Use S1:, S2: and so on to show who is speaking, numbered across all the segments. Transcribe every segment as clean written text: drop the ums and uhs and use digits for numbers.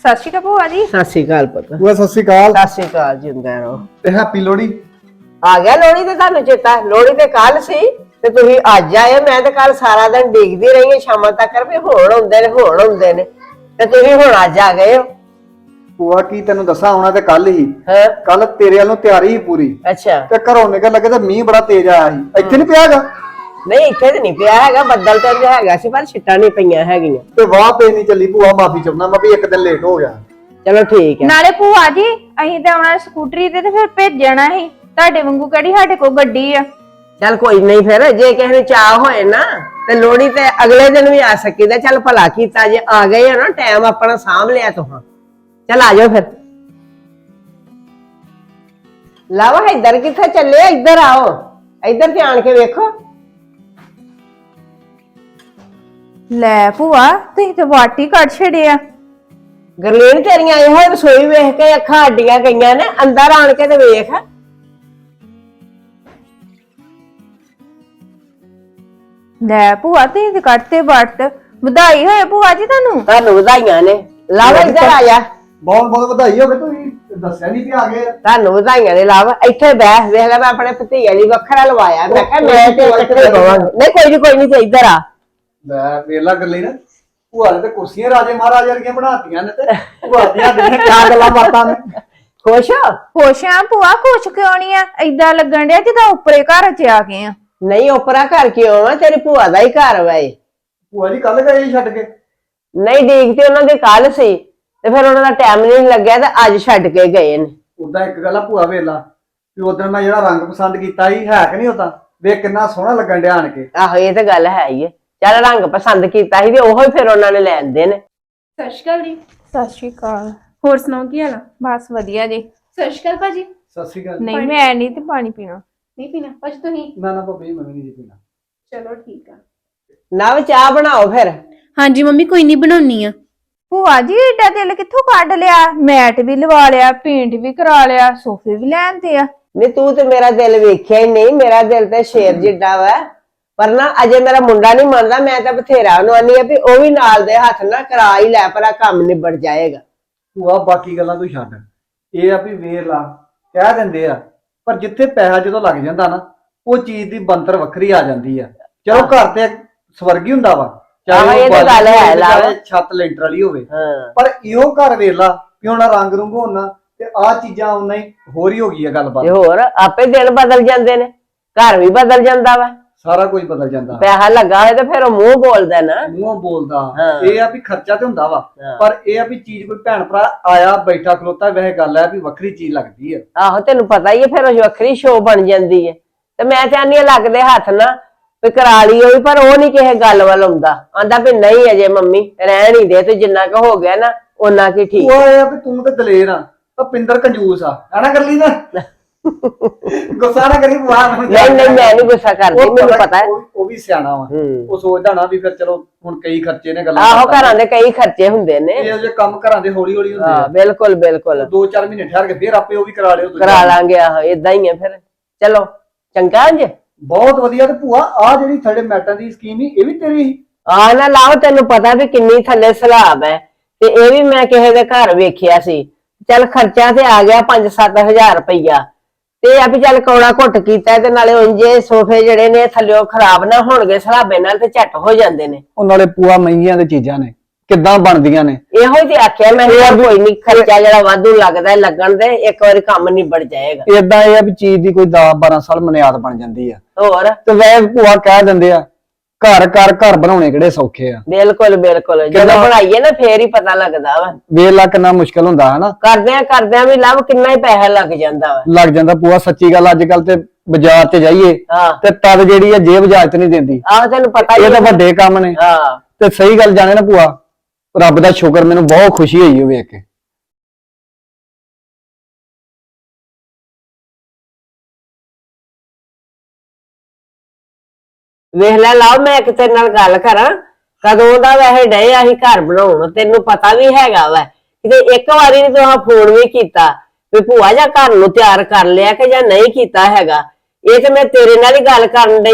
S1: ਸਤਿ ਸ਼੍ਰੀ ਅਕਾਲ ਭੂਆ ਜੀ।
S2: ਸਤਿ ਸ਼੍ਰੀ ਅਕਾਲ ਪੁੱਤ।
S3: ਭੂਆ ਸਤਿ ਸ਼੍ਰੀ ਅਕਾਲ।
S2: ਸਤਿ ਸ਼੍ਰੀ ਅਕਾਲ, ਜਿੰਦਾ ਰਹੋ।
S3: ਤੇ ਹੈਪੀ ਲੋਹੜੀ।
S2: ਆ ਗਿਆ ਲੋਹੜੀ ਤੇ ਤੁਹਾਨੂੰ ਚੇਤਾ? ਲੋਹੜੀ ਤੇ ਕੱਲ ਸੀ ਤੇ ਤੁਸੀਂ ਅੱਜ ਆਏ। ਮੈਂ ਤੇ ਕੱਲ ਸਾਰਾ ਦਿਨ ਡਿੱਗਦੀ ਰਹੀ ਹਾਂ ਸ਼ਾਮਾਂ ਤੱਕ ਵੀ ਹੁਣ ਹੁੰਦੇ ਨੇ ਤੇ ਤੁਸੀਂ ਹੁਣ ਅੱਜ ਆ ਗਏ ਹੋ।
S3: ਭੂਆ ਕੀ ਤੈਨੂੰ ਦੱਸਾਂ, ਆਉਣਾ ਤੇ ਕੱਲ ਹੀ।
S2: ਹਾਂ,
S3: ਕੱਲ ਤੇਰੇ ਵੱਲੋਂ ਤਿਆਰੀ ਹੀ ਪੂਰੀ
S2: ਅੱਛਾ।
S3: ਤੇ ਘਰੋਂ ਨਿਕਲ ਲੱਗੇ ਤੇ ਮੀਂਹ ਬੜਾ ਤੇਜ਼ ਆਇਆ ਸੀ। ਇੱਥੇ ਨਹੀਂ ਪਿਆਗਾ?
S2: ਨਹੀਂ ਇੱਥੇ ਤੇ ਨਹੀਂ ਪਿਆ ਹੈਗਾ, ਬੱਦਲ ਤੇ ਹੈਗਾ ਸੀ ਪਰ ਛਿੱਟਾਂ ਨਹੀਂ ਪਈਆਂ ਹੈਗੀਆਂ।
S3: ਤੇ ਵਾਹ ਪੇ ਨਹੀਂ ਚੱਲੀ ਭੂਆ, ਮਾਫੀ ਚਾਹੁੰਦਾ ਮੈਂ ਵੀ ਇੱਕ ਦਿਨ ਲੇਟ ਹੋ ਗਿਆ।
S2: ਚਲੋ ਠੀਕ ਹੈ।
S1: ਨਾਲੇ ਭੂਆ ਜੀ ਅਸੀਂ ਤਾਂ ਆਉਣਾ ਸਕੂਟਰੀ ਤੇ ਫਿਰ ਭੇਜਣਾ ਸੀ, ਤੁਹਾਡੇ ਵਾਂਗੂ ਕਿਹੜੀ ਸਾਡੇ ਕੋਲ ਗੱਡੀ ਆ।
S2: ਚੱਲ ਕੋਈ ਨਹੀਂ, ਫਿਰ ਜੇ ਕਿਸੇ ਨੂੰ ਚਾਹ ਹੋਏ ਨਾ ਤੇ ਲੋਹੜੀ ਤੇ ਅਗਲੇ ਦਿਨ ਵੀ ਆ ਸਕੀਦਾ। ਚੱਲ ਭਲਾ ਕੀਤਾ ਜੇ ਆ ਗਏ ਹੋ ਨਾ, ਟਾਈਮ ਆਪਣਾ ਸਾਂਭ ਲਿਆ ਤੁਹਾਂ। ਚੱਲ ਆ ਜਾਓ ਫਿਰ। ਲਾਵਾ ਇੱਧਰ ਕਿੱਥੇ ਚੱਲੇ? ਇੱਧਰ ਆਓ, ਇੱਧਰ ਤੇ ਆਣ ਕੇ ਵੇਖੋ।
S1: ਲੈ ਭੂਆ ਤੁਸੀਂ ਤੇ ਵਾਟੀ ਕੱਢ ਛੜਿਆ।
S2: ਗਰਲੀਨ ਤੇਰੀਆਂ ਇਹੋ ਰਸੋਈ ਵੇਖ ਕੇ ਅੱਖਾਂ ਅੱਡੀਆਂ ਗਈਆਂ ਨੇ, ਅੰਦਰ ਆਣ ਕੇ ਤੇ ਵੇਖ।
S1: ਲੈ ਭੂਆ ਤੁਸੀਂ ਤੇ ਕੱਢਤੇ ਵੱਟ। ਵਧਾਈ ਹੋਏ ਭੂਆ ਜੀ ਤੁਹਾਨੂੰ।
S2: ਤੁਹਾਨੂੰ ਵਧਾਈਆਂ ਨੇ। ਲਾਵਾ ਇੱਧਰ ਆ ਜਾ।
S3: ਬਹੁਤ ਬਹੁਤ ਵਧਾਈ ਹੋਵੇ। ਤੁਸੀਂ ਦੱਸਿਆ ਨਹੀਂ ਕਿ ਆ ਗਏ।
S2: ਤੁਹਾਨੂੰ ਵਧਾਈਆਂ ਨੇ। ਲਾਵਾ ਇੱਥੇ ਬੈਠ, ਵੇਖ ਲੈ ਮੈਂ ਆਪਣੇ ਭਤੀਜੇ ਲਈ ਵੱਖਰਾ ਲਵਾਇਆ। ਮੈਂ ਕਿਹਾ ਮੈਂ ਤੇ ਇਕੱਠੇ ਬਵਾਂਗੇ। ਨਹੀਂ ਕੋਈ ਨਹੀਂ ਤੇ ਇੱਧਰ ਆ।
S3: ਲੈ ਵੇਲਾ ਕਰ ਲਈ ਨਾ, ਭੂਆ ਨੇ ਤੇ ਕੁਰਸੀਆਂ ਰਾਜੇ ਮਹਾਰਾਜੇ ਵਰਗੀਆਂ ਬਣਾਤੀਆਂ ਨੇ ਤੇ ਭੂਆ ਦੀਆਂ ਕਿਆ ਗੱਲਾਂ ਬਾਤਾਂ ਨੇ।
S2: ਖੁਸ਼ ਹੋ?
S1: ਖੁਸ਼ ਆ ਭੂਆ। ਖੁਸ਼ ਕਿਉਂ ਨਹੀਂ ਆ? ਏਦਾਂ ਲੱਗਣ ਡਿਆ ਜਿੱਦਾਂ ਉੱਪਰੇ ਘਰ ਚ ਆ ਗਏ ਆ।
S2: ਨਹੀਂ ਉਪਰਾ ਘਰ ਕਿਉਂ ਆ? ਤੇਰੀ ਭੂਆ ਦਾ ਹੀ ਘਰ ਵਾ ਇਹ।
S3: ਭੂਆ ਜੀ ਕੱਲ ਗਏ ਸੀ ਛੱਡ ਕੇ?
S2: ਨਹੀਂ ਡੀਕ ਤੇ ਉਹਨਾਂ ਦੇ ਕੱਲ ਸੀ ਤੇ ਫਿਰ ਉਹਨਾਂ ਦਾ ਟਾਈਮ ਨਹੀਂ ਲੱਗਿਆ ਤੇ ਅੱਜ ਛੱਡ ਕੇ ਗਏ ਨੇ।
S3: ਉਦਾਂ ਇੱਕ ਗੱਲ ਆ ਭੂਆ ਵੇਲਾ ਵੀ ਉਦੋਂ ਮੈਂ ਜਿਹੜਾ ਰੰਗ ਪਸੰਦ ਕੀਤਾ ਸੀ ਹੈ ਕਿ ਨਹੀਂ, ਉਦਾਂ ਵੇਖ ਕਿੰਨਾ ਸੋਹਣਾ ਲੱਗਣ ਡਿਆ ਆਣ ਕੇ।
S2: ਆਹੋ ਇਹ ਤਾਂ ਗੱਲ ਹੈ ਹੀ ਹੈ। ਚੱਲ ਰੰਗ ਪਸੰਦ ਕੀਤਾ ਸੀ ਤੇ ਉਹੋ ਹੀ ਫਿਰ ਉਹਨਾਂ ਨੇ ਲੈ ਆਂਦੇ ਨੇ।
S4: ਸਤਿ ਸ਼੍ਰੀ ਅਕਾਲ ਜੀ।
S1: ਸਤਿ ਸ਼੍ਰੀ ਅਕਾਲ।
S4: ਹੋਰ ਸੁਣਾਓ ਕੀ ਹਾਲ ਆ?
S1: ਬਸ ਵਧੀਆ ਜੀ।
S4: ਸਤਿ ਸ਼੍ਰੀ ਅਕਾਲ ਭਾਜੀ।
S3: ਸਤਿ ਸ਼੍ਰੀ ਅਕਾਲ।
S1: ਨਹੀਂ ਮੈਂ ਨਹੀਂ ਤੇ ਪਾਣੀ ਪੀਣਾ।
S4: ਨਹੀਂ ਪੀਣਾ ਭਾਜੀ ਤੁਸੀਂ?
S3: ਨਾ ਭਾਬੀ ਮੈਂ ਵੀ ਨਹੀਂ ਜੀ ਪੀਣਾ।
S4: ਚਲੋ ਠੀਕ ਆ।
S2: ਨਾ ਚਾਹ ਬਣਾਓ ਫਿਰ।
S4: ਹਾਂਜੀ ਮੰਮੀ ਕੋਈ ਨਹੀਂ ਬਣਾਉਣੀ ਆ।
S1: ਭੂਆ ਜੀ ਏਡਾ ਦਿਲ ਕਿੱਥੋਂ ਕੱਢ ਲਿਆ? ਮੈਟ ਵੀ ਲਵਾ ਲਿਆ, ਪੇਂਟ ਵੀ ਕਰਾ ਲਿਆ, ਸੋਫੇ ਵੀ ਲੈਂਦੇ ਆ।
S2: ਨਹੀਂ ਤੂੰ ਤੇ ਮੇਰਾ ਦਿਲ ਵੇਖਿਆ ਹੀ ਨਹੀਂ। ਮੇਰਾ ਦਿਲ ਤੇ ਸ਼ੇਰ ਜਿੱਡਾ ਵਾ, ਪਰ ਨਾ ਅਜੇ ਮੇਰਾ ਮੁੰਡਾ ਨਹੀਂ ਮੰਨਦਾ। ਮੈਂ ਤਾਂ ਬਥੇਰਾ ਉਹਨੂੰ ਆਨੀ ਆ ਵੀ ਉਹ ਵੀ ਨਾਲ ਦੇ ਹੱਥ ਨਾ ਕਰਾ ਹੀ ਲੈ, ਪਰ ਕੰਮ ਨਿਬੜ ਜਾਏਗਾ।
S3: ਭੂਆ ਬਾਕੀ ਗੱਲਾਂ ਤੂੰ ਛੱਡ, ਇਹ ਆ ਵੀ ਵੇਰ ਲਾ ਕਹਿ ਦਿੰਦੇ ਆ, ਪਰ ਜਿੱਥੇ ਪੈਸਾ ਜਦੋਂ ਲੱਗ ਜਾਂਦਾ ਨਾ ਉਹ ਚੀਜ਼ ਦੀ ਬੰਤਰ ਵੱਖਰੀ ਆ ਜਾਂਦੀ ਆ। ਚਲੋ ਘਰ ਤੇ ਸਵਰਗ ਹੀ ਹੁੰਦਾ ਵਾ,
S2: ਆਹੋ ਇਹ ਤਾਂ ਗੱਲ ਹੈ ਲਾ
S3: ਛੱਤ ਲੈਂਟਰ ਵਾਲੀ ਹੋਵੇ,
S2: ਹਾਂ।
S3: ਪਰ ਇਹੋ ਘਰ ਵੇਖ ਲਾ ਵੀ ਹੁਣ ਰੰਗ ਰੁੰਗ ਹੋਣਾ ਤੇ ਆਹ ਚੀਜ਼ਾਂ ਉਹਨਾਂ ਹੀ ਹੋਰ ਹੀ ਹੋ ਗਈ ਆ ਗੱਲਬਾਤ।
S2: ਤੇ ਹੋਰ ਆਪੇ ਦਿਨ ਬਦਲ ਜਾਂਦੇ ਨੇ, ਘਰ ਵੀ ਬਦਲ ਜਾਂਦਾ ਵਾ।
S3: ਸਾਰਾ ਕੁਝ ਬਦਲ ਜਾਂਦਾ।
S2: ਪੈਸਾ ਲੱਗਾ ਹੋਇਆ ਤੇ ਫਿਰ ਉਹ ਮੂੰਹ ਬੋਲਦਾ ਨਾ।
S3: ਮੂੰਹੋਂ ਬੋਲਦਾ।
S2: ਹਾਂ।
S3: ਇਹ ਆ ਵੀ ਖਰਚਾ ਤੇ ਹੁੰਦਾ ਵਾ,
S2: ਹਾਂ।
S3: ਪਰ ਇਹ ਆ ਵੀ ਚੀਜ਼ ਕੋਈ ਭੈਣ ਭਰਾ ਆਇਆ ਬੈਠਾ ਖਲੋਤਾ ਵੈਸੇ ਗੱਲ ਹੈ ਵੀ ਵੱਖਰੀ ਚੀਜ਼ ਲੱਗਦੀ ਆ।
S2: ਆਹੋ ਤੈਨੂੰ ਪਤਾ ਹੀ ਹੈ, ਫਿਰ ਉਹ ਵੱਖਰੀ ਸ਼ੋਅ ਬਣ ਜਾਂਦੀ ਹੈ। ਤੇ ਮੈਂ ਚਾਹਨੀ ਆ ਲੱਗਦੇ ਹੱਥ ਨਾ ਵੀ ਕਰਾ ਲਈ ਹੋਈ, ਪਰ ਉਹ ਨਹੀਂ ਕਿਸੇ ਗੱਲ ਵੱਲ ਆਉਂਦਾ। ਆਂਦਾ ਵੀ ਨਹੀਂ ਅਜੇ ਮੰਮੀ ਰਹਿਣ ਹੀ ਦੇ, ਤੂੰ ਜਿੰਨਾ ਕੁ ਹੋ ਗਿਆ ਨਾ ਉਹਨਾਂ ਕੀ ਠੀਕ।
S3: ਉਹ ਇਹ ਆ ਵੀ ਤੂੰ ਤੇ ਦਲੇਰ ਆ, ਤਾਂ ਪਿੰਦਰ ਕੰਜੂਸ ਆ। ਐਨਾ ਕਰ ਲਈ ਨਾ ਗੁੱਸਾ ਨਾ ਕਰੀ ਭੂਆ।
S2: ਨਹੀਂ ਮੈਂ ਨਹੀਂ ਗੁੱਸਾ ਕਰਦੀ, ਮੈਨੂੰ ਪਤਾ ਹੈ।
S3: ਉਹ ਵੀ ਸਿਆਣਾ ਵਾ, ਉਹ ਸੋਚਦਾ ਨਾ ਵੀ ਫਿਰ ਚਲੋ ਹੁਣ ਕਈ ਖਰਚੇ ਨੇ ਗੱਲਾਂ।
S2: ਆਹੋ ਘਰਾਂ ਦੇ ਕਈ ਖਰਚੇ ਹੁੰਦੇ ਨੇ।
S3: ਇਹ ਜੇ ਕੰਮ ਘਰਾਂ ਦੇ ਹੌਲੀ ਹੌਲੀ ਹੁੰਦੇ ਆ।
S2: ਬਿਲਕੁਲ ਬਿਲਕੁਲ।
S3: 2-4 ਮਹੀਨੇ ਠਹਿਰ ਕੇ ਫਿਰ ਆਪੇ ਉਹ ਵੀ ਕਰਾ ਲਿਓ।
S2: ਕਰਾ ਲਾਂਗੇ। ਆਹੋ ਏਦਾਂ ਹੀ ਹੈ ਫਿਰ। ਚਲੋ ਚੰਗਾ ਜੀ,
S3: ਬਹੁਤ ਵਧੀਆ। ਤੇ ਭੂਆ ਆ ਜਿਹੜੀ ਥੱਲੇ ਮੈਟਾਂ ਦੀ ਸਕੀਮ ਹੀ ਇਹ ਵੀ ਤੇਰੀ ਸੀ?
S2: ਆ ਨਾ ਲਾਓ, ਤੈਨੂੰ ਪਤਾ ਵੀ ਕਿੰਨੀ ਥੱਲੇ ਸਲਾਬ ਹੈ, ਤੇ ਇਹ ਵੀ ਮੈਂ ਕਿਸੇ ਦੇ ਘਰ ਵੇਖਿਆ ਸੀ। ਚੱਲ ਖਰਚਾ ਤੇ ਆ ਗਿਆ 5-7 ਹਜ਼ਾਰ ਰੁਪਈਆ, ਤੇ ਆ ਵੀ ਚੱਲ ਕੌੜਾ ਘੁੱਟ ਕੀਤਾ ਤੇ ਨਾਲੇ ਉਂਝੇ ਸੋਫੇ ਜਿਹੜੇ ਨੇ ਥੱਲਿਓ ਖਰਾਬ ਨਾ ਹੋਣਗੇ ਸਲਾਬੇ ਨਾਲ, ਤੇ ਝੱਟ ਹੋ ਜਾਂਦੇ ਨੇ।
S3: ਉਹ ਨਾਲੇ ਭੂਆ ਮਹਿੰਗੀਆਂ ਦੇ ਚੀਜ਼ਾਂ ਨੇ, ਕਿੱਦਾਂ ਬਣਦੀਆਂ ਨੇ।
S2: ਇਹੋ ਹੀ ਤੇ ਆਖਿਆ ਮੈਂ, ਕੋਈ ਨਹੀਂ ਖਰਚਾ ਜਿਹੜਾ ਵਾਧੂ ਲੱਗਦਾ ਲੱਗਣ ਦੇ, ਇੱਕ ਵਾਰੀ ਕੰਮ ਨਿਬੜ ਜਾਏਗਾ।
S3: ਏਦਾਂ ਇਹ ਆ ਵੀ ਚੀਜ਼ ਦੀ ਕੋਈ 10-12 ਸਾਲ ਮਨਿਆਦ ਬਣ ਜਾਂਦੀ ਆ।
S2: ਹੋਰ
S3: ਤੇ ਵੈਸੇ ਭੂਆ ਕਹਿ ਦਿੰਦੇ ਆ ਘਰ ਬਣਾਉਣੇ ਕਿਹੜੇ ਸੌਖੇ ਆ।
S2: ਬਿਲਕੁਲ ਬਿਲਕੁਲ। ਜਦੋਂ ਬਣਾਈਏ ਨਾ ਫੇਰ ਹੀ ਪਤਾ ਲੱਗਦਾ ਵਾ।
S3: ਵੇਖ ਲਾ ਕਿੰਨਾ ਮੁਸ਼ਕਲ ਹੁੰਦਾ ਹਨਾ।
S2: ਕਰਦਿਆਂ ਵੀ ਲੱਭ ਕਿੰਨਾ ਹੀ ਪੈਸਾ ਲੱਗ ਜਾਂਦਾ ਵਾ।
S3: ਲੱਗ ਜਾਂਦਾ ਭੂਆ, ਸੱਚੀ ਗੱਲ। ਅੱਜ ਕੱਲ ਤੇ ਬਾਜ਼ਾਰ ਤੇ ਜਾਈਏ ਤੇ ਤਦ ਜਿਹੜੀ ਆ ਜੇਬ ਇਜਾਜ਼ਤ ਨਹੀਂ ਦਿੰਦੀ।
S2: ਆਹ ਤੈਨੂੰ ਪਤਾ ਹੀ
S3: ਇਹ ਤਾਂ ਵੱਡੇ ਕੰਮ ਨੇ।
S2: ਹਾਂ
S3: ਤੇ ਸਹੀ ਗੱਲ ਜਾਣੇ ਨਾ ਭੂਆ, ਰੱਬ ਦਾ ਸ਼ੁਕਰ, ਮੈਨੂੰ ਬਹੁਤ ਖੁਸ਼ੀ ਹੋਈ ਉਹ ਵੇਖ ਕੇ।
S2: ਵੇਖ ਲੈ ਲਾਓ, ਮੈਂ ਇੱਕ ਤੇਰੇ ਨਾਲ ਗੱਲ ਕਰਾਂ। ਕਦੋਂ ਦਾ ਵੈਸੇ ਡਏ ਅਸੀਂ ਘਰ ਬਣਾਉਣ, ਤੈਨੂੰ ਪਤਾ ਵੀ ਹੈਗਾ ਵਾ। ਕਿਤੇ ਇੱਕ ਵਾਰੀ ਨੀ ਤੂੰ ਫੋਨ ਵੀ ਕੀਤਾ ਵੀ ਭੂਆ ਜਾਂ ਘਰ ਨੂੰ ਤਿਆਰ ਕਰ ਲਿਆ ਕਿ ਜਾਂ ਨਹੀਂ ਕੀਤਾ ਹੈਗਾ। ਇਹ ਤੇ ਮੈਂ ਤੇਰੇ ਨਾਲ ਹੀ ਗੱਲ ਕਰਨ ਡਈ ਆ।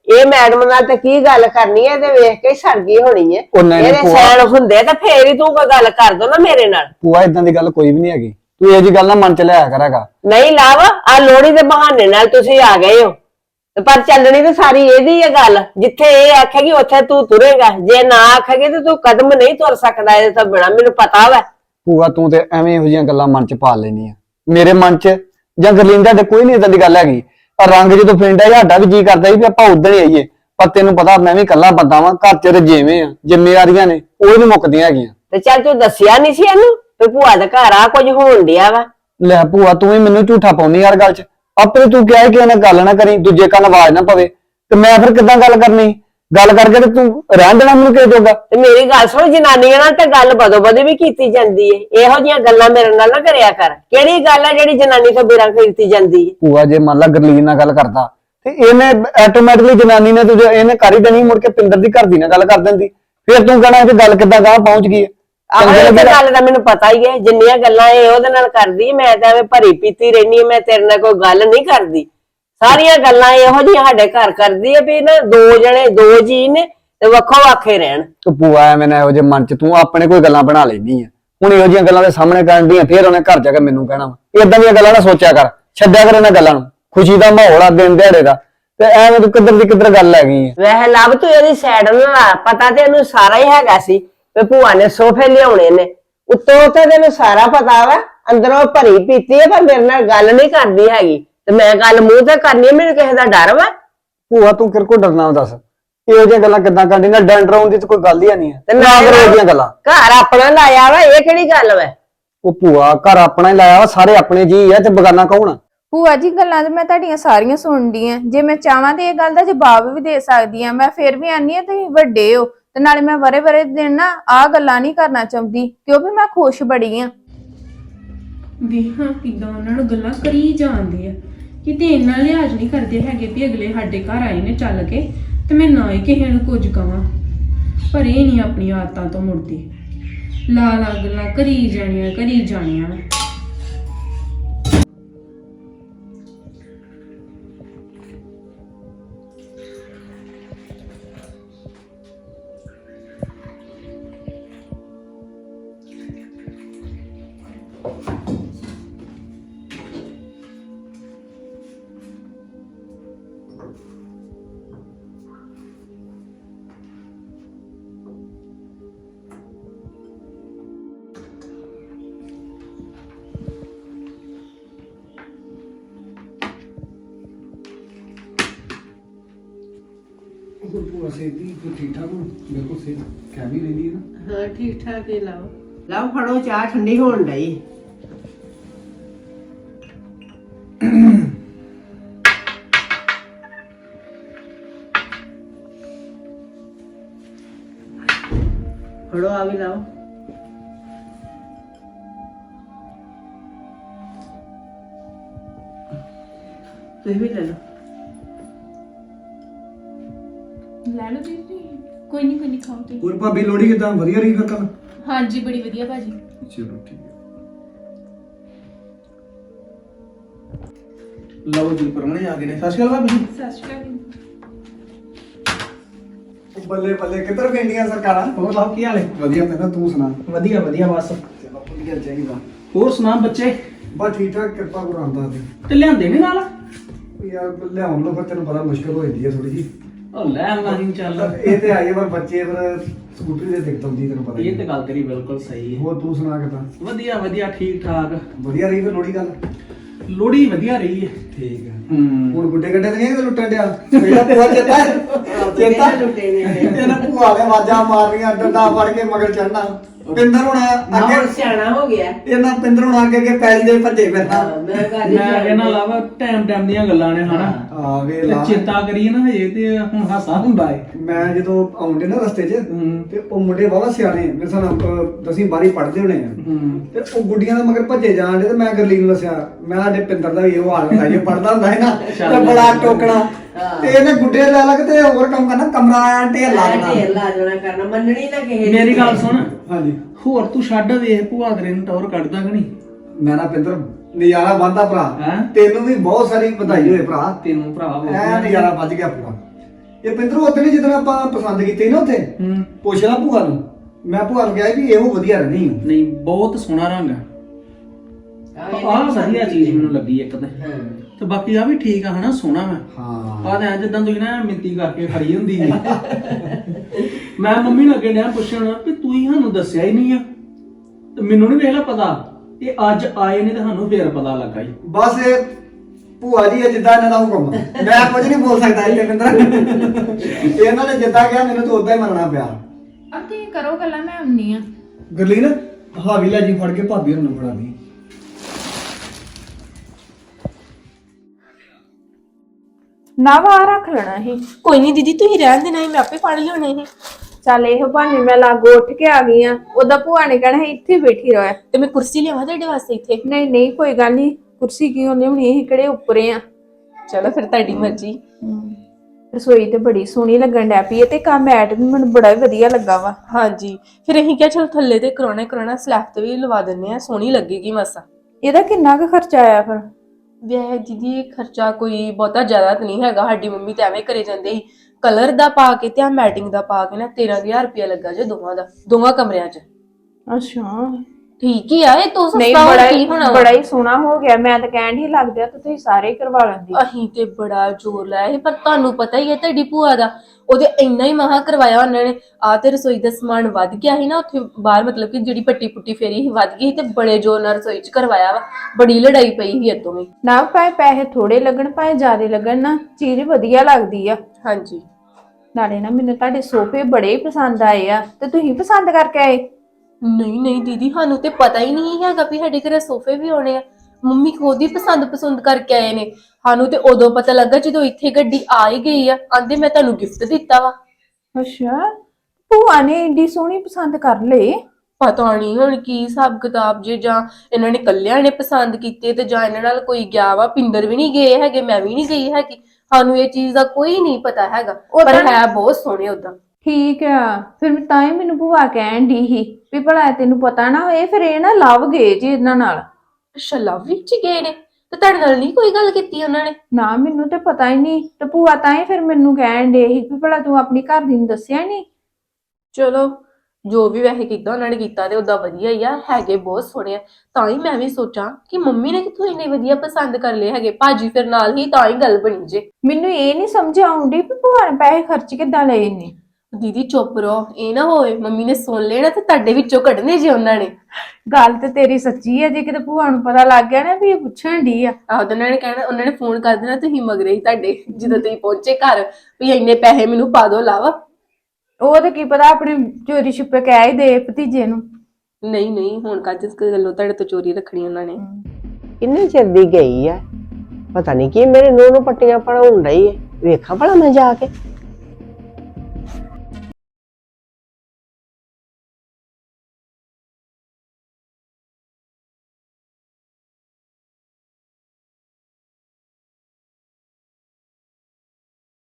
S2: ਇਹ ਮੈਡਮ ਨਾਲ ਤੇ ਕੀ ਗੱਲ ਕਰਨੀ ਹੈ ਤੇ ਵੇਖ ਕੇ ਸੜ ਗਈ ਹੋਣੀ ਹੈ।
S3: ਉਹ ਨਹੀਂ
S2: ਇਹਦੇ
S3: ਭੂਆ।
S2: ਸੈਣ ਹੁੰਦੇ ਤਾਂ ਫੇਰ ਹੀ ਤੂੰ ਕੋਈ ਗੱਲ ਕਰ ਦੋ ਨਾ ਮੇਰੇ ਨਾਲ।
S3: ਭੂਆ ਇਦਾਂ ਦੀ ਗੱਲ ਕੋਈ ਵੀ ਨਹੀਂ ਹੈਗੀ, ਤੂੰ ਇਹ ਜੀ ਗੱਲ ਨਾ ਮਨ ਚ ਲਿਆ ਕਰਾਂਗਾ।
S2: ਨਹੀਂ ਲਾਵ ਆ ਲੋਹੜੀ ਦੇ ਬਹਾਨੇ ਨਾਲ ਤੁਸੀਂ ਆ ਗਏ ਹੋ ਤੇ ਪਰ ਚੱਲਣੀ ਤਾਂ ਸਾਰੀ ਇਹਦੀ ਹੈ ਗੱਲ। ਜਿੱਥੇ ਇਹ ਆਖੇਗੀ ਉੱਥੇ ਤੂੰ ਤੁਰੇਗਾ, ਜੇ ਨਾ ਆਖੇਗੀ ਤੇ ਤੂੰ ਕਦਮ ਨਹੀਂ ਤੁਰ ਸਕਦਾ ਇਹਦੇ ਤੋਂ ਬਿਨਾਂ, ਮੈਨੂੰ ਪਤਾ ਵਾ।
S3: ਭੂਆ ਤੂੰ ਤੇ ਐਵੇਂ ਇਹੋ ਜਿਹੀਆਂ ਗੱਲਾਂ ਮਨ ਚ ਪਾ ਲੈਣੀ ਆ। ਮੇਰੇ ਮਨ ਚ ਜਾਂ ਗਰਲਿੰਦਾ ਤੇ ਕੋਈ ਨਹੀਂ ਇਦਾਂ ਦੀ ਗੱਲ ਹੈਗੀ। ਪਰ ਰੰਗ ਜਦੋਂ ਪਿੰਡਾ ਸਾਡਾ ਵੀ ਜੀ ਕਰਦਾ ਸੀ ਵੀ ਆਪਾਂ ਉਧਰ ਹੀ ਆਈਏ, ਪਰ ਤੈਨੂੰ ਪਤਾ ਮੈਂ ਵੀ ਇਕੱਲਾ ਬੰਦਾ ਵਾਂ, ਘਰ ਚ ਰਜੇਵੇਂ ਆ, ਜ਼ਿੰਮੇਵਾਰੀਆਂ ਨੇ ਉਹ ਨਹੀਂ ਮੁੱਕਦੀਆਂ ਹੈਗੀਆਂ।
S2: ਤੇ ਚੱਲ ਤੂੰ ਦੱਸਿਆ ਨਹੀਂ ਸੀ ਇਹਨੂੰ ਵੀ ਭੂਆ ਦੇ ਘਰ ਆ ਕੁਝ ਹੋਣ ਡਿਆ ਵਾ।
S3: ਲੈ ਭੂਆ ਤੂੰ ਵੀ ਮੈਨੂੰ ਝੂਠਾ ਪਾਉਣੀ ਯਾਰ ਗੱਲ ਚ। ਆਪੇ ਤੂੰ ਕਿਹਾ ਕਿ ਇਹਨਾਂ ਗੱਲ ਨਾ ਕਰੀ, ਦੂਜੇ ਕੰਨ ਆਵਾਜ਼ ਨਾ ਪਵੇ, ਤੇ ਮੈਂ ਫਿਰ ਕਿੱਦਾਂ ਗੱਲ ਕਰਨੀ? ਗੱਲ ਕਰਕੇ ਤੇ ਤੂੰ ਰਹਿਣ ਦੇਣਾ ਮੈਨੂੰ ਕਿਹ ਦੋਗਾ?
S2: ਤੇ ਮੇਰੀ ਗੱਲ ਸੁਣ, ਜਨਾਨੀਆਂ ਨਾਲ ਤੇ ਗੱਲ ਬਦੋ ਬਦੀ ਵੀ ਕੀਤੀ ਜਾਂਦੀ ਹੈ, ਇਹੋ ਜਿਹੀਆਂ ਗੱਲਾਂ ਮੇਰੇ ਨਾਲ ਨਾ ਕਰਿਆ ਕਰ। ਕਿਹੜੀ ਗੱਲ ਹੈ ਜਿਹੜੀ ਜਨਾਨੀ ਤੋਂ ਬਿਨਾਂ ਕੀਤੀ ਜਾਂਦੀ ਹੈ?
S3: ਭੂਆ ਜੇ ਮੰਨ ਲਾ ਗਰਲੀਨ ਨਾਲ ਗੱਲ ਕਰਦਾ ਤੇ ਇਹਨੇ ਆਟੋਮੈਟਿਕਲੀ ਜਨਾਨੀ ਨੇ ਤੁਝੇ ਇਹਨੇ ਕਰ ਹੀ ਦੇਣੀ, ਮੁੜ ਕੇ ਪਿੰਦਰ ਦੀ ਘਰ ਦੀ ਨਾਲ ਗੱਲ ਕਰ ਦਿੰਦੀ, ਫਿਰ ਤੂੰ ਕਹਿਣਾ ਕਿ ਗੱਲ ਕਿੱਦਾਂ ਗਾਹ ਪਹੁੰਚ ਗਈ ਹੈ।
S2: ਆਹ ਇਹ ਗੱਲ ਦਾ ਮੈਨੂੰ ਪਤਾ ਹੀ ਹੈ, ਜਿੰਨੀਆਂ ਗੱਲਾਂ ਇਹ ਉਹਦੇ ਨਾਲ ਕਰਦੀ, ਮੈਂ ਤਾਂ ਐਵੇਂ ਭਰੀ ਪੀਤੀ ਰਹਿਨੀ, ਮੈਂ ਤੇਰੇ ਨਾਲ ਕੋਈ ਗੱਲ ਨਹੀਂ ਕਰਦੀ। ਸਾਰੀਆਂ ਗੱਲਾਂ ਇਹੋ ਜਿਹੀਆਂ ਸਾਡੇ ਘਰ ਕਰਦੀ ਹੈ ਵੀ ਨਾ ਦੋ ਜਣੇ ਦੋ ਜੀ ਨੇ ਤੇ ਵੱਖੋ ਵੱਖੇ ਰਹਿਣ।
S3: ਤੂੰ ਭੂਆ ਐਵੇਂ ਨਾ ਇਹੋ ਜਿਹੇ ਮਨ ਚ ਤੂੰ ਆਪਣੇ ਕੋਈ ਗੱਲਾਂ ਬਣਾ ਲੈਂਦੀ ਆ। ਹੁਣ ਇਹੋ ਜਿਹੀਆਂ ਗੱਲਾਂ ਦੇ ਸਾਹਮਣੇ ਕਰਨ ਦੀਆਂ ਫਿਰ ਉਹਨੇ ਘਰ ਜਾ ਕੇ ਮੈਨੂੰ ਕਹਿਣਾ ਵਾ। ਇਦਾਂ ਦੀਆਂ ਗੱਲਾਂ ਨਾ ਸੋਚਿਆ ਕਰ, ਛੱਡਿਆ ਕਰ ਇਹਨਾਂ ਗੱਲਾਂ ਨੂੰ। ਖੁਸ਼ੀ ਦਾ ਮਾਹੌਲ ਆ ਦਿਨ ਦਿਹਾੜੇ ਦਾ, ਤੇ ਐਵੇਂ ਤੂੰ ਕਿੱਧਰ ਦੀ ਕਿੱਧਰ ਗੱਲ ਹੈਗੀ ਆ।
S2: ਵੈਸੇ ਲੱਭ ਤੂੰ ਇਹਦੀ ਸਾਈਡ ਨਾ, ਪਤਾ ਤੇ ਇਹਨੂੰ ਸਾਰਾ ਹੀ ਹੈਗਾ ਸੀ ਵੀ ਭੂਆ ਨੇ ਸੋਫੇ ਲਿਆਉਣੇ ਨੇ, ਉੱਤੋਂ ਤੇ ਤੈਨੂੰ ਸਾਰਾ ਪਤਾ ਵਾ, ਅੰਦਰੋਂ ਭਰੀ ਪੀਤੀ ਹੈ, ਪਰ ਮੇਰੇ ਨਾਲ ਗੱਲ ਨਹੀਂ ਕਰਦੀ ਹੈਗੀ। ਤੇ ਮੈਂ ਗੱਲ ਮੂੰਹ ਤੇ ਕਰਨੀ ਹੈ, ਮੈਨੂੰ ਕਿਸੇ ਦਾ ਡਰ ਵਾ?
S3: ਭੂਆ ਤੂੰ ਕਿਰ ਕੋ ਡਰਨਾ ਦੱਸ? ਇਹੋ ਜਿਹੀਆਂ ਗੱਲਾਂ ਕਿੱਦਾਂ ਕਰਦੀ? ਨਾ ਡਰ ਡਰਾਉਣ ਦੀ ਤਾਂ ਕੋਈ ਗੱਲ ਹੀ ਨਹੀਂ ਹੈ।
S2: ਤੇ
S3: ਨਾ ਕਰੋ ਇਹੋ ਜਿਹੀਆਂ ਗੱਲਾਂ।
S2: ਘਰ ਆਪਣਾ ਲਾਇਆ ਵਾ, ਇਹ ਕਿਹੜੀ ਗੱਲ ਵਾ?
S3: ਉਹ ਭੂਆ ਘਰ ਆਪਣਾ ਹੀ ਲਾਇਆ ਵਾ, ਸਾਰੇ ਆਪਣੇ ਜੀ ਆ, ਤੇ ਬਗਾਨਾ ਕੌਣ ਆ?
S1: ਭੂਆ ਜੀ ਗੱਲਾਂ ਤੇ ਮੈਂ ਤੁਹਾਡੀਆਂ ਸਾਰੀਆਂ ਸੁਣਦੀ ਆ, ਜੇ ਮੈਂ ਚਾਹਾਂ ਤੇ ਇਹ ਗੱਲ ਦਾ ਜਵਾਬ ਵੀ ਦੇ ਸਕਦੀ ਆ। ਮੈਂ ਫਿਰ ਵੀ ਆਨੀ ਆ ਤੁਸੀਂ ਵੱਡੇ ਹੋ, ਤੇ ਨਾਲੇ ਮੈਂ ਵਰੇ ਦਿਨ ਨਾ ਆਹ ਗੱਲਾਂ ਨਹੀਂ ਕਰਨਾ ਚਾਹੁੰਦੀ, ਕਿਉਂਕਿ ਮੈਂ ਖੁਸ਼ ਬੜੀ ਆ।
S4: ਵੇਹਾਂ ਕਿਦਾਂ ਉਹਨਾਂ ਨੂੰ ਗੱਲਾਂ ਕਰੀ ਜਾਂਦੇ ਆ, ਕਿਤੇ ਇੰਨਾ ਲਿਹਾਜ਼ ਨਹੀਂ ਕਰਦੇ ਹੈਗੇ ਵੀ ਅਗਲੇ ਸਾਡੇ ਘਰ ਆਏ ਨੇ ਚੱਲ ਕੇ ਤੇ ਮੈਂ ਨਾ ਹੀ ਕਿਸੇ ਨੂੰ ਕੁਝ ਕਵਾਂ। ਪਰ ਇਹ ਨਹੀਂ ਆਪਣੀ ਆਦਤਾਂ ਤੋਂ ਮੁੜਦੇ, ਲਾ ਗੱਲਾਂ ਕਰੀ ਜਾਣੀਆਂ।
S3: ਭੂਆ ਸੇਦੀ ਠੀਕ ਠਾਕ ਹੋ? ਬਿਲਕੁਲ ਸਹੀ ਕਹਿ ਵੀ ਲੈਂਦੀ ਹੈ ਨਾ।
S2: ਹਾਂ ਠੀਕ ਠਾਕ ਹੀ ਲਾਓ। ਲਾਓ ਫੜੋ, ਚਾਹ ਠੰਡੀ ਹੋਣ ਡਈ। ਫੜੋ ਆ ਵੀ ਲਾਓ। ਤੁਸੀਂ ਵੀ ਲੈ ਲਓ।
S4: ਲੈ ਲਓ ਦੀਦੀ, ਕੋਈ ਨਹੀਂ ਖਾਓ ਤੇ।
S3: ਹੋਰ ਭਾਬੀ ਲੋੜੀ ਕਿਦਾਂ? ਵਧੀਆ ਰਹੀ ਫਿਰ ਕੱਲ?
S4: ਹਾਂਜੀ ਬੜੀ ਵਧੀਆ ਭਾਜੀ।
S3: ਚਲੋ ਠੀਕ ਹੈ। ਲਓ ਜੀ ਪਰਮਣੇ ਆ ਗਏ ਨੇ। ਸਤਿ ਸ਼੍ਰੀ ਅਕਾਲ ਭਾਬੀ।
S4: ਸਤਿ ਸ਼੍ਰੀ ਅਕਾਲ।
S3: ਬੱਲੇ ਬੱਲੇ ਕਿੱਧਰ ਪੈਂਦੀਆਂ ਸਰਕਾਰਾਂ?
S5: ਹੋਰ ਲਾਭ ਕੀ ਹਾਲ ਹੈ?
S3: ਵਧੀਆ। ਮੈਂ ਤੂੰ ਸੁਣਾ?
S5: ਵਧੀਆ ਵਧੀਆ ਬਸ।
S3: ਚਲੋ ਵਧੀਆ ਚਾਹੀਦਾ।
S5: ਹੋਰ ਸੁਣਾ ਬੱਚੇ?
S3: ਬਸ ਠੀਕ ਠਾਕ, ਕਿਰਪਾ ਗੁਰੂ ਰਾਮਦਾਸ ਦੀ।
S5: ਤੇ ਲਿਆਂਦੇ ਨੇ ਨਾਲ?
S3: ਯਾਰ ਲਿਆਉਣ ਨੂੰ ਫਿਰ ਤੈਨੂੰ ਪਤਾ ਮੁਸ਼ਕਲ ਹੋ ਜਾਂਦੀ ਹੈ ਥੋੜੀ ਜੀ।
S5: ਉਹ ਲੈ ਆਵਾਂ ਹੀ ਚੱਲ।
S3: ਇਹ ਤੇ ਆਈਏ ਪਰ ਬੱਚੇ ਫਿਰ ਸਕੂਟਰੀ ਦੇ ਦਿੱਕਤ ਹੁੰਦੀ ਤੈਨੂੰ ਪਤਾ ਹੀ
S5: ਇਹ ਤੇ ਗੱਲ ਤੇਰੀ ਬਿਲਕੁਲ ਸਹੀ ਹੈ।
S3: ਹੋਰ ਤੂੰ ਸੁਣਾ ਕਿਦਾਂ?
S5: ਵਧੀਆ ਵਧੀਆ ਠੀਕ ਠਾਕ।
S3: ਵਧੀਆ ਰਹੀ ਫਿਰ ਲੋੜੀ ਗੱਲ?
S5: ਲੋੜੀ ਵਧੀਆ ਰਹੀ ਹੈ।
S3: ਠੀਕ ਹੈ।
S5: ਹੂੰ
S3: ਹੁਣ ਗੁੱਡੇ ਗੱਡੇ ਤੇ ਨਹੀਂ ਲੁੱਟਣ ਡਿਆ? ਪਹਿਲਾਂ ਭੂਆ ਚੇਤਾ ਚੇਤਾ ਇਹਨਾਂ ਭੂਆ ਦੇ ਆਵਾਜ਼ਾਂ ਮਾਰਨੀਆਂ, ਡੰਡਾ ਫੜ ਕੇ ਮਗਰ ਚੜਨਾ। ਪਿੰਦਰ ਹੁਣ ਅੱਗੇ
S2: ਸਿਆਣਾ ਹੋ ਗਿਆ।
S3: ਇਹਨਾਂ ਪਿੰਦਰ ਹੁਣ ਅੱਗੇ ਪੈਲੀ ਦੇ ਭੱਜੇ ਫਿਰਨਾ।
S5: ਮੈਂ ਇਹਨਾਂ ਲਾਵਾ ਟਾਈਮ ਦੀਆਂ ਗੱਲਾਂ ਨੇ ਹਨਾ।
S3: ਆ ਵੇ
S5: ਤੇ
S3: ਲਾ
S5: ਚੇਤਾ ਕਰੀਏ ਨਾ ਹਜੇ ਤੇ ਹੁਣ ਹਾਸਾ ਹੁੰਦਾ ਏ।
S3: ਮੈਂ ਜਦੋਂ ਆਉਂਦੇ ਨਾ ਰਸਤੇ 'ਚ ਤੇ ਉਹ ਮੁੰਡੇ ਵਾਲਾ ਸਿਆਣੇ ਮੇਰੇ ਸਾਨੂੰ 10ਵੀਂ 12ਵੀਂ ਪੜ੍ਹਦੇ ਹੋਣੇ ਆ, ਤੇ ਉਹ ਗੁੱਡੀਆਂ ਦੇ ਮਗਰ ਭੱਜੇ ਜਾਣ ਦੇ। ਤੇ ਮੈਂ ਗਰਲੀਨ ਨੂੰ ਦੱਸਿਆ, ਮੈਂ ਸਾਡੇ ਪਿੰਦਰ ਦਾ ਵੀ ਇਹੋ ਹਾਲ ਹੁੰਦਾ ਜੇ ਪੜ੍ਹਦਾ ਹੁੰਦਾ ਹੈ ਨਾ ਤੇ ਬੜਾ ਟੋਕਣਾ, ਤੇ ਇਹਨੇ ਗੁੱਡੇ ਲੈ ਲੱਗ ਤੇ ਹੋਰ ਕੰਮ ਕਰਨਾ, ਕਮਰਾ ਢੇਰ ਲਾ ਦੇਣਾ।
S2: ਕਰਨਾ ਮੰਨਣੀ ਨਾ ਕਿਸੇ
S5: ਮੇਰੀ ਗੱਲ ਸੁਣ,
S3: ਹਾਂਜੀ।
S5: ਹੋਰ ਤੂੰ ਛੱਡ ਵੇਖ ਭੂਆ ਤੇਰੇ ਨੂੰ ਟੌਰ ਕੱਢਦਾ ਕਿ ਨਹੀਂ?
S3: ਮੈਂ ਨਾ ਪਿੰਦਰ ਨਜ਼ਾਰਾ ਬੰਦਾ ਭਰਾ।
S5: ਹੈਂ?
S3: ਤੈਨੂੰ ਵੀ ਬਹੁਤ ਸਾਰੀ ਵਧਾਈ ਹੋਏ ਭਰਾ।
S5: ਤੈਨੂੰ ਭਰਾ
S3: ਐ ਨਜ਼ਾਰਾ ਵੱਜ ਗਿਆ ਪੂਰਾ। ਇਹ ਪਿੰਦਰੂ ਉੱਥੇ ਵੀ ਜਦੋਂ ਆਪਾਂ ਪਸੰਦ ਕੀਤੀ ਨਾ ਉੱਥੇ
S5: ਹੂੰ
S3: ਪੁੱਛ ਲਾ ਭੂਆ ਨੂੰ। ਮੈਂ ਭੂਆ ਨੂੰ ਕਿਹਾ ਵੀ ਇਹੋ ਵਧੀਆ ਰਹਿਣੀ ਆ।
S5: ਨਹੀਂ ਬਹੁਤ ਸੋਹਣਾ ਰੰਗ ਆ ਆਹ ਵਧੀਆ ਚੀਜ਼ ਮੈਨੂੰ ਲੱਗੀ ਇੱਕ ਤੇ ਬਾਕੀ ਆ ਵੀ ਠੀਕ ਆ ਹਨਾ ਸੋਹਣਾ ਵਾ
S3: ਹਾਂ
S5: ਆਹ ਤਾਂ ਜਿੱਦਾਂ ਤੁਸੀਂ ਨਾ ਮਿੰਤੀ ਕਰਕੇ ਖੜੀ ਹੁੰਦੀ ਸੀ ਮੈਂ ਮੰਮੀ ਨੂੰ ਅੱਗੇ ਡਿਆ ਪੁੱਛਣ ਵੀ ਤੁਸੀਂ ਸਾਨੂੰ ਦੱਸਿਆ ਹੀ ਨਹੀਂ ਆ ਤੇ ਮੈਨੂੰ ਨਹੀਂ ਵੇਖਲਾ ਪਤਾ ਇਹ ਅੱਜ ਆਏ ਨੇ ਤੇ ਸਾਨੂੰ ਫੇਰ ਪਤਾ ਲੱਗਾ ਜੀ
S3: ਬਸ ਇਹ ਭੂਆ ਜੀ ਆ ਜਿੱਦਾਂ ਇਹਨਾਂ ਦਾ ਹੁਕਮ ਆ। ਮੈਂ ਕੁਝ ਨਹੀਂ ਬੋਲ ਸਕਦਾ ਇੱਥੇ ਪਿੰਦਰ ਇਹਨਾਂ ਨੇ ਜਿੱਦਾਂ ਕਿਹਾ ਮੈਨੂੰ ਤਾਂ ਉਦਾਂ ਹੀ ਮੰਨਣਾ ਪਿਆ।
S1: ਅਬ ਤੇ ਕਰੋ ਗੱਲਾਂ, ਮੈਂ ਆਉਣੀ ਆ।
S3: ਗਰਲੀ ਨਾ ਹਾਵੀ ਲੈ ਜੀ ਫੜ ਕੇ ਭਾਬੀ ਨੂੰ ਫੜਾ ਦੀ।
S1: ਨਾ ਵਾ ਰੱਖ ਲੈਣਾ ਸੀ।
S6: ਕੋਈ ਨਹੀਂ ਦੀਦੀ ਤੁਸੀਂ ਰਹਿਣ ਦੇਣਾ ਸੀ, ਮੈਂ ਆਪੇ ਫੜ ਲਿਆਉਣੇ ਸੀ।
S1: ਚੱਲ ਇਹ ਭਾਵੇਂ ਮੈਂ ਲਾਗੋ ਉੱਠ ਕੇ ਆ ਗਈ ਆ, ਉਹਦਾ ਭੂਆ ਨੇ ਕਹਿਣਾ ਸੀ ਇੱਥੇ ਬੈਠੀ ਰਹਿ।
S6: ਤੇ ਮੈਂ ਕੁਰਸੀ ਲਿਆਵਾਂ ਤੁਹਾਡੇ ਵਾਸਤੇ ਇੱਥੇ?
S1: ਨਹੀਂ ਨਹੀਂ ਕੋਈ ਗੱਲ ਨਹੀਂ, ਕੁਰਸੀ ਕਿਉਂ ਲਿਆਉਣੀ, ਅਸੀਂ ਕਿਹੜੇ ਉੱਪਰੇ ਆ।
S6: ਚਲੋ ਫਿਰ ਤੁਹਾਡੀ ਮਰਜ਼ੀ।
S1: ਰਸੋਈ ਤੇ ਬੜੀ ਸੋਹਣੀ ਲੱਗਣ ਡੈ ਪਈ ਹੈ ਤੇ ਕੰਮ ਮੈਟ ਵੀ ਮੈਨੂੰ ਬੜਾ ਹੀ ਵਧੀਆ ਲੱਗਾ ਵਾ।
S6: ਹਾਂਜੀ ਫਿਰ ਅਸੀਂ ਕਿਹਾ ਚਲੋ ਥੱਲੇ ਤੇ ਕਰਾਉਣਾ ਸਲੈਬ ਤੇ ਵੀ ਲਵਾ ਦਿੰਨੇ ਆ, ਸੋਹਣੀ ਲੱਗੇਗੀ ਮਸਾ।
S1: ਇਹਦਾ ਕਿੰਨਾ ਕੁ ਖਰਚਾ ਆਇਆ ਫਿਰ?
S6: ਵਿਆਹ ਦੀਦੀ ਖਰਚਾ ਕੋਈ ਬਹੁਤਾ ਜ਼ਿਆਦਾ ਤਾਂ ਨਹੀਂ ਹੈਗਾ। ਸਾਡੀ ਮੰਮੀ ਤੇ ਐਵੇਂ ਕਰੇ ਜਾਂਦੇ ਸੀ, ਕਲਰ ਦਾ ਪਾ ਕੇ ਤੇ ਆ ਮੈਟਿੰਗ ਦਾ ਪਾ ਕੇ ਨਾ 13,000 ਰੁਪਇਆ ਲੱਗਾ ਜੇ ਦੋਵਾਂ ਕਮਰਿਆਂ 'ਚ।
S1: ਅੱਛਾ
S6: ਠੀਕ ਹੀ ਆ ਇਹ ਤੋਂ
S1: ਨਹੀਂ,
S6: ਸਸਤਾ ਹੋਰ ਕੀ ਹੋਣਾ ਵਾ।
S1: ਬੜਾ ਹੀ ਸੋਹਣਾ ਹੋ ਗਿਆ। ਮੈਂ ਤਾਂ ਕਹਿਣ ਹੀ ਲੱਗ ਪਿਆ ਤੇ ਤੁਸੀਂ ਸਾਰੇ ਹੀ ਕਰਵਾ ਲੈਂਦੀ।
S6: ਅਸੀਂ ਤੇ ਬੜਾ ਜ਼ੋਰ ਲਾਇਆ ਸੀ, ਪਰ ਤੁਹਾਨੂੰ ਪਤਾ ਹੀ ਹੈ ਤੁਹਾਡੀ ਭੂਆ ਦਾ, ਉਹਦੇ ਇੰਨਾ ਹੀ ਮਹਾ ਕਰਵਾਇਆ ਉਹਨਾਂ ਨੇ। ਆ ਤੇ ਰਸੋਈ ਦਾ ਸਮਾਨ ਵੱਧ ਗਿਆ ਸੀ ਨਾ ਉੱਥੇ ਬਾਹਰ, ਮਤਲਬ ਕਿ ਜਿਹੜੀ ਪੱਟੀ ਪੁੱਟੀ ਫੇਰੀ ਸੀ ਵੱਧ ਗਈ ਸੀ ਤੇ ਬੜੇ ਜ਼ੋਰ ਨਾਲ ਰਸੋਈ 'ਚ ਕਰਵਾਇਆ ਵਾ। ਬੜੀ ਲੜਾਈ ਪਈ ਸੀ ਇਤੋਂ ਵੀ।
S1: ਨਾ ਭਾਵੇਂ ਪੈਸੇ ਥੋੜੇ ਲੱਗਣ ਭਾਵੇਂ ਜ਼ਿਆਦੇ ਲੱਗਣ, ਨਾ ਚੀਜ਼ ਵਧੀਆ ਲੱਗਦੀ ਆ।
S6: ਹਾਂਜੀ
S1: ਨਾਲੇ ਨਾ ਮੈਨੂੰ ਤੁਹਾਡੇ ਸੋਫੇ ਬੜੇ ਹੀ ਪਸੰਦ ਆਏ ਆ, ਤੇ ਤੁਸੀਂ ਪਸੰਦ ਕਰਕੇ ਆਏ?
S6: ਨਹੀਂ ਦੀਦੀ ਸਾਨੂੰ ਤੇ ਪਤਾ ਹੀ ਨਹੀਂ ਹੈਗਾ ਵੀ ਸਾਡੇ ਘਰੇ ਸੋਫੇ ਵੀ ਆਉਣੇ ਆ। ਮੰਮੀ ਖੁਦ ਹੀ ਪਸੰਦ ਕਰਕੇ ਆਏ ਨੇ। ਸਾਨੂੰ ਤੇ ਉਦੋਂ ਪਤਾ ਲੱਗਾ ਜਦੋਂ ਇੱਥੇ ਗੱਡੀ ਆ ਹੀ ਗਈ ਆ, ਆਂਦੇ ਮੈਂ ਤੁਹਾਨੂੰ ਗਿਫਟ ਦਿੱਤਾ ਵਾ।
S1: ਅੱਛਾ, ਭੂਆ ਨੇ ਏਡੀ ਸੋਹਣੀ ਪਸੰਦ ਕਰ ਲਏ।
S6: ਪਤਾ ਨਹੀਂ ਹੁਣ ਕੀ ਹਿਸਾਬ ਕਿਤਾਬ ਜੇ, ਜਾਂ ਇਹਨਾਂ ਨੇ ਕੱਲਿਆਂ ਨੇ ਪਸੰਦ ਕੀਤੇ ਤੇ ਜਾਂ ਇਹਨਾਂ ਨਾਲ ਕੋਈ ਗਿਆ ਵਾ। ਪਿੰਦਰ ਵੀ ਨਹੀਂ ਗਏ ਹੈਗੇ, ਮੈਂ ਵੀ ਨਹੀਂ ਗਈ ਹੈਗੀ। ਸਾਨੂੰ ਇਹ ਚੀਜ਼ ਦਾ ਕੋਈ ਨਹੀਂ ਪਤਾ ਹੈਗਾ, ਪਰ ਹੈ ਬਹੁਤ ਸੋਹਣੇ ਉਦਾਂ।
S1: ਠੀਕ ਆ, ਫਿਰ ਤਾਂ ਹੀ ਮੈਨੂੰ ਭੂਆ ਕਹਿਣ ਦੀ ਸੀ ਵੀ ਭਲਾ ਤੈਨੂੰ ਪਤਾ ਨਾ ਹੋਏ, ਫਿਰ ਇਹ ਨਾ ਲਵ ਗਏ ਜੀ ਇਹਨਾਂ ਨਾਲ।
S6: ਅੱਛਾ ਲਵ ਵਿੱਚ ਗਏ ਨੇ ਤੇ ਤੁਹਾਡੇ ਨਾਲ ਨਹੀਂ ਕੋਈ ਗੱਲ ਕੀਤੀ ਉਹਨਾਂ ਨੇ?
S1: ਨਾ ਮੈਨੂੰ ਤੇ ਪਤਾ ਹੀ ਨਹੀਂ, ਤੇ ਭੂਆ ਤਾਂ ਹੀ ਫਿਰ ਮੈਨੂੰ ਕਹਿਣ ਦੇ ਸੀ ਵੀ ਭਲਾ ਤੂੰ ਆਪਣੀ ਘਰ ਦੀ ਨੂੰ ਦੱਸਿਆ ਨਹੀਂ।
S6: ਚਲੋ ਜੋ ਵੀ ਵੈਸੇ ਕੀਤਾ ਉਹਨਾਂ ਨੇ ਕੀਤਾ ਤੇ ਉਦਾਂ ਵਧੀਆ ਹੀ ਆ, ਹੈਗੇ ਬਹੁਤ ਸੋਹਣੇ ਆ। ਤਾਂ ਹੀ ਮੈਂ ਵੀ ਸੋਚਾਂ ਕਿ ਮੰਮੀ ਨੇ ਕਿਥੋਂ ਇੰਨੇ ਵਧੀਆ ਪਸੰਦ ਕਰ ਲਏ ਹੈਗੇ। ਭਾਜੀ ਫਿਰ ਨਾਲ ਹੀ ਤਾਂ ਹੀ ਗੱਲ ਬਣੀ ਜੇ।
S1: ਮੈਨੂੰ ਇਹ ਨਹੀਂ ਸਮਝ ਆਉਂਦੀ ਵੀ ਭੂਆ ਨੇ ਪੈਸੇ ਖਰਚ ਕਿੱਦਾਂ ਲਏ ਨੇ।
S6: ਦੀਦੀ ਚੁੱਪ ਰਹੋ, ਇਹ ਨਾ ਹੋਵੇ ਮੰਮੀ ਨੇ ਸੁਣ ਲੈਣਾ ਤੇ ਤੁਹਾਡੇ ਵਿੱਚੋਂ ਕੱਢਨੇ ਜੇ ਉਹਨਾਂ ਨੇ।
S1: ਗੱਲ ਤੇ ਤੇਰੀ ਸੱਚੀ ਹੈ, ਜੇ ਕਿਤੇ ਭੂਆ ਨੂੰ ਪਤਾ ਲੱਗ ਗਿਆ ਨਾ ਵੀ ਇਹ ਪੁੱਛਣ ਦੀ ਆ।
S6: ਆਹ ਉਹਨਾਂ ਨੇ ਕਹਿਣਾ, ਉਹਨਾਂ ਨੇ ਫੋਨ ਕਰ ਦੇਣਾ ਤੁਸੀਂ ਮਗਰੇ ਹੀ ਤੁਹਾਡੇ, ਜਦੋਂ ਤੁਸੀਂ ਪਹੁੰਚੇ ਘਰ ਵੀ ਇੰਨੇ ਪੈਸੇ ਮੈਨੂੰ ਪਾ ਦੋ ਲਾਵਾ।
S1: ਉਹ ਤੇ ਕੀ ਪਤਾ ਆਪਣੇ ਚੋਰੀ ਛੁਪੇ ਕਹਿ ਹੀ ਦੇ ਭਤੀਜੇ ਨੂੰ।
S6: ਨਹੀਂ ਹੁਣ ਕੱਜ ਗੱਲੋਂ ਤੁਹਾਡੇ ਤੋਂ ਚੋਰੀ ਰੱਖਣੀ ਉਹਨਾਂ ਨੇ।
S2: ਕਿੰਨੇ ਚਿਰ ਦੀ ਗਈ ਆ, ਪਤਾ ਨਹੀਂ ਕੀ ਮੇਰੇ ਨੂੰਹ ਨੂੰ ਪੱਟੀਆਂ ਪੜਾਉਣ ਰਹੀ ਹੈ। ਵੇਖਾਂ ਭਲਾ ਮੈਂ ਜਾ ਕੇ।